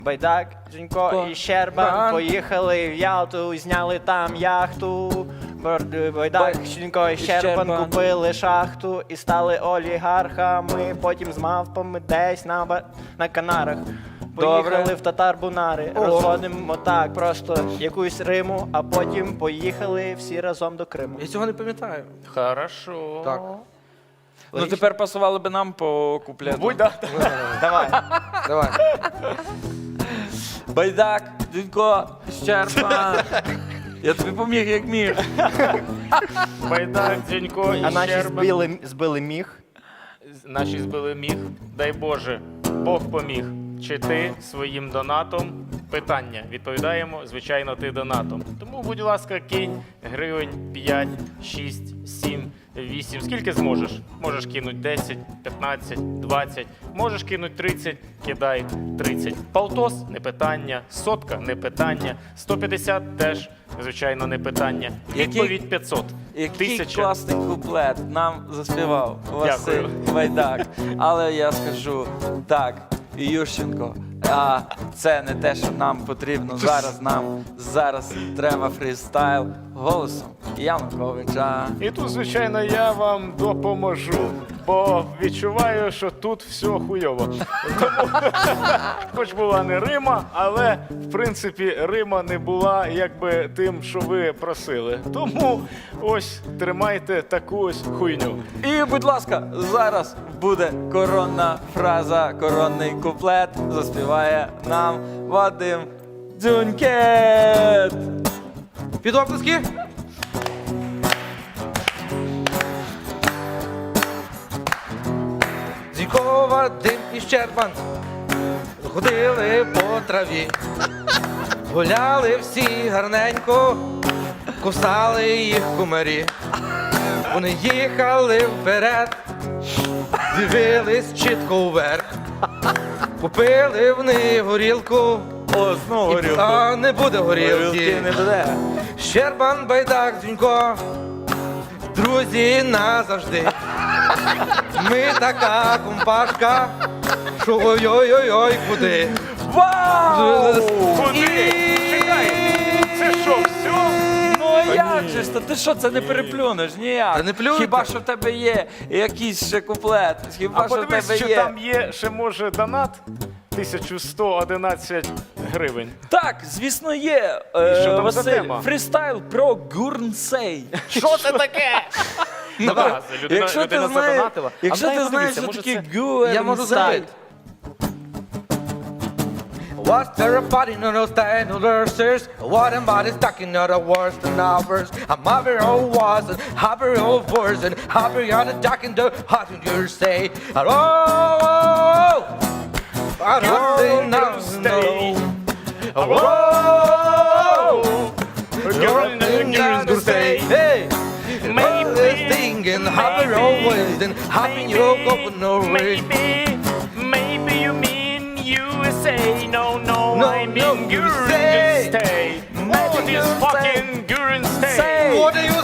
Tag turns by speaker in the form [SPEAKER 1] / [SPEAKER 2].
[SPEAKER 1] Байдак, Дзюнько і Щербан поїхали в Ялту, зняли там яхту. Байдак, Дзюнько і Щербан купили шахту і стали олігархами. Потім з мавпами десь на Канарах. Поїхали в Татар-Бунари, розводимо так просто якусь Риму, а потім поїхали всі разом до Криму.
[SPEAKER 2] Я цього не пам'ятаю.
[SPEAKER 3] Хорошо.
[SPEAKER 2] Так.
[SPEAKER 4] Ну тепер пасували би нам по куплету.
[SPEAKER 3] Будь, да.
[SPEAKER 1] Давай.
[SPEAKER 2] Давай.
[SPEAKER 4] Байдак, Дзюнько, Щербан. Я тобі поміг, як міг.
[SPEAKER 3] Байдак, Дзюнько і
[SPEAKER 1] А наші
[SPEAKER 3] Щербан.
[SPEAKER 1] збили міг.
[SPEAKER 3] Наші збили міг. Дай Боже, Бог поміг. Чи ти своїм донатом? Питання. Відповідаємо, звичайно, ти донатом. Тому, будь ласка, кинь гривень 5, 6, 7, 8. Скільки зможеш? Можеш кинути 10, 15, 20. Можеш кинути 30, кидай 30. Полтос – не питання. Сотка – не питання. 150 – теж, звичайно, не питання. Відповідь 500.
[SPEAKER 4] Який
[SPEAKER 3] 1000.
[SPEAKER 4] класний куплет нам заспівав Василь Байдак. Але я скажу так, Ющенко, а це не те, що нам потрібно зараз. Нам зараз треба фрістайл голосом Януковича.
[SPEAKER 3] І тут, звичайно, я вам допоможу, бо відчуваю, що тут все хуйово. Тому, хоч була не Рима, але, в принципі, Рима не була якби тим, що ви просили. Тому ось тримайте таку ось хуйню.
[SPEAKER 4] І, будь ласка, зараз буде коронна фраза, коронний куплет. Заспіває нам Вадим Дзюнькет.
[SPEAKER 2] Під оплески. Дзюнько, Вадим і Щербан ходили по траві, гуляли всі гарненько, кусали їх кумарі. Вони їхали вперед, дивились чітко вверх, купили вони горілку.
[SPEAKER 4] О, знову горілку.
[SPEAKER 2] А не буде горілки.
[SPEAKER 4] Горілки не буде.
[SPEAKER 2] Щербан, Байдак, Дзюнько, друзі назавжди. Ми така компашка, що ой-ой-ой, куди.
[SPEAKER 4] Вау!
[SPEAKER 3] Куди? Чекай, це що, все?
[SPEAKER 4] Ну а як же ж? Ти що, це не переплюнеш ніяк?
[SPEAKER 2] Та не плюйте.
[SPEAKER 4] Хіба що в тебе є якийсь ще куплет? Хіба
[SPEAKER 3] А
[SPEAKER 4] що в
[SPEAKER 3] подивись,
[SPEAKER 4] тебе
[SPEAKER 3] що
[SPEAKER 4] є?
[SPEAKER 3] там є ще, може, донат 1111 гривень.
[SPEAKER 4] Так, звісно, є.
[SPEAKER 3] що там за
[SPEAKER 4] Василь,
[SPEAKER 3] тема?
[SPEAKER 4] фрістайл про Гурнсей.
[SPEAKER 3] Що це таке?
[SPEAKER 2] Давай.
[SPEAKER 4] Якщо ти знаєш, якщо ти знаєш, що таке Гурнсей.
[SPEAKER 2] Я можу знати. What's there about in those dinosaurs? What about is talking out of worse than ours? I'm happy all was and happy all was and happy on the duck in the hot in your say. Hello, I don't think now
[SPEAKER 3] stay.
[SPEAKER 2] Hello, Hey, maybe thinking happy always and happy you're going nowhere.
[SPEAKER 3] Maybe you mean USA. No,
[SPEAKER 2] No,
[SPEAKER 3] I mean
[SPEAKER 2] USA.
[SPEAKER 3] Guren stay. Oh, this fucking Guren stay.
[SPEAKER 2] What do you